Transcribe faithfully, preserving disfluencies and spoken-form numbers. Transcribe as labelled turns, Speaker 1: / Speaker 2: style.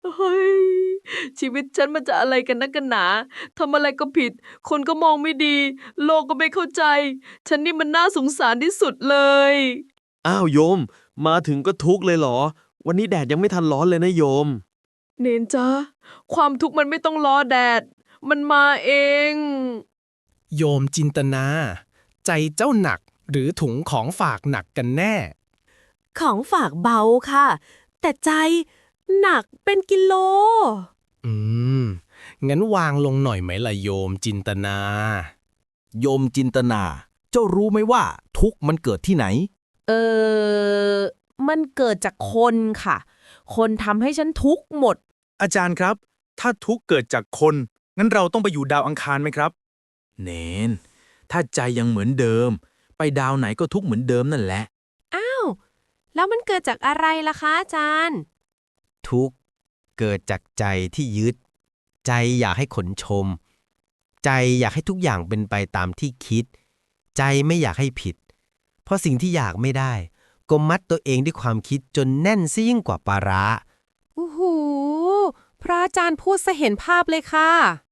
Speaker 1: เฮ้ยชีวิตฉันมันจะอะไรกันนักกันหนาทำอะไรก็ผิดคนก็มองไม่ดีโลกก็ไม่เข้าใจฉันนี่มันน่าสงสารที่สุดเลย
Speaker 2: อ้าวโยม มาถึงก็ทุกข์เลยเหรอ วันนี้แดดยังไม่ทันร้อนเลยนะโยม
Speaker 1: เนนจ้าความทุกข์มันไม่ต้องรอแดดมันมาเอง
Speaker 3: โยมจินตนา ใจเจ้าหนักหรือถุงของฝากหนักกันแน่
Speaker 4: ของฝากเบาค่ะ แต่ใจหนักเป็นกิโล
Speaker 3: อืม งั้นวางลงหน่อยไหมล่ะโยมจินตนา
Speaker 5: โยมจินตนา เจ้ารู้ไหมว่าทุกข์มันเกิดที่ไหน
Speaker 4: เออ มันเกิดจากคนค่ะ คนทำให้ฉันทุกข์หมด
Speaker 6: อาจารย์ครับ ถ้าทุกข์เกิดจากคน งั้นเราต้องไปอยู่ดาวอังคารไหมครับ
Speaker 5: เนน ถ้าใจยังเหมือนเดิม ไปดาวไหนก็ทุกข์เหมือนเดิมนั่นแหละ
Speaker 4: อ้าว แล้วมันเกิดจากอะไรล่ะคะอาจารย์
Speaker 7: ทุกข์เกิดจากใจที่ยึด ใจอยากให้คนชม ใจอยากให้ทุกอย่างเป็นไปตามที่คิด ใจไม่อยากให้ผิด เพราะสิ่งที่อยากไม่ได้ก็มัดตัวเองด้วยความคิดจนแน่นซะยิ่งกว่าปลาร้า
Speaker 4: โอ้โห พระอาจารย์พูดซะเห็นภาพเลยค่ะ